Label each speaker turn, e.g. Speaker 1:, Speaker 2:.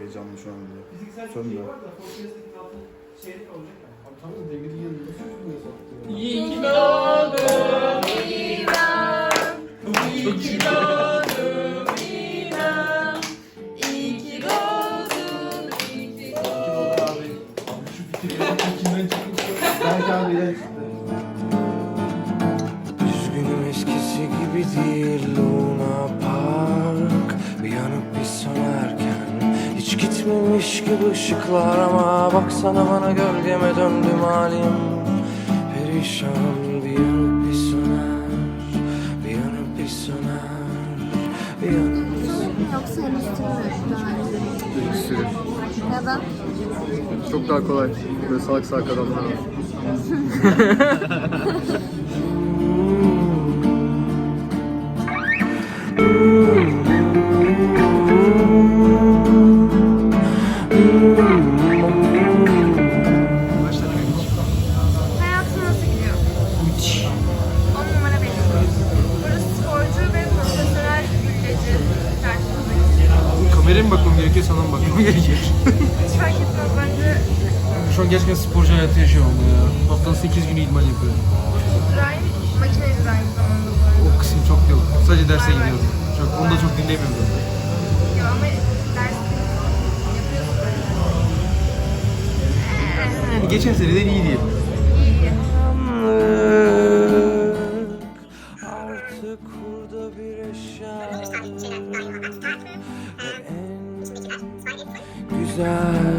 Speaker 1: heyecanlı şu anda.
Speaker 2: Fiziksel
Speaker 1: Sonra.
Speaker 2: şey var da Fortress'teki altın çeyrek olacak yani.
Speaker 3: Abi tamam demiri yanında sürtmüyor zaten.
Speaker 2: İyi ki doğdun İrem. İyi ki doğdun İrem. İyi ki doğdun. İyi ki doğdun.
Speaker 3: Abi şu fikirlerin içinden çıkmış. Belki abiyle çıktı.
Speaker 4: Üzgünüm eskisi gibi değil Luna Park. Bir yanıp bir sönerken hiç gitmemiş gibi ışıklar. Ama baksana bana gölgeme döndüm halim perişan. Bir yanıp bir söner, bir yanıp bir söner, bir yanıp bir söner.
Speaker 5: Yoksa henüz tüm
Speaker 1: Bir sürü.
Speaker 5: ya da
Speaker 1: Çok daha kolay. Böyle salak salak adamlar var.
Speaker 5: hayatın nasıl gidiyor? 10 numara benim. Burası sporcu ve profesyonel gülleci karşımızdaki.
Speaker 3: Kameraya mı bakmam gerekiyor, sana mı bakmam gerekiyor?
Speaker 5: Hiç fark etmez bence.
Speaker 3: Şu an gerçekten sporcu hayatı yaşıyorum ya. Haftanın 8 günü idman yapıyorum.
Speaker 5: İbrahim makineci aynı zamanda bu arada.
Speaker 3: O kısım çok yok. Sadece derse gidiyorum. Onu da çok dinlemiyorum.
Speaker 5: Yo ama ders yapıyorsun bence.
Speaker 3: Yani geçen seneden iyi diyelim.
Speaker 5: İyi.
Speaker 4: Artık burada bir eşya ve en güzel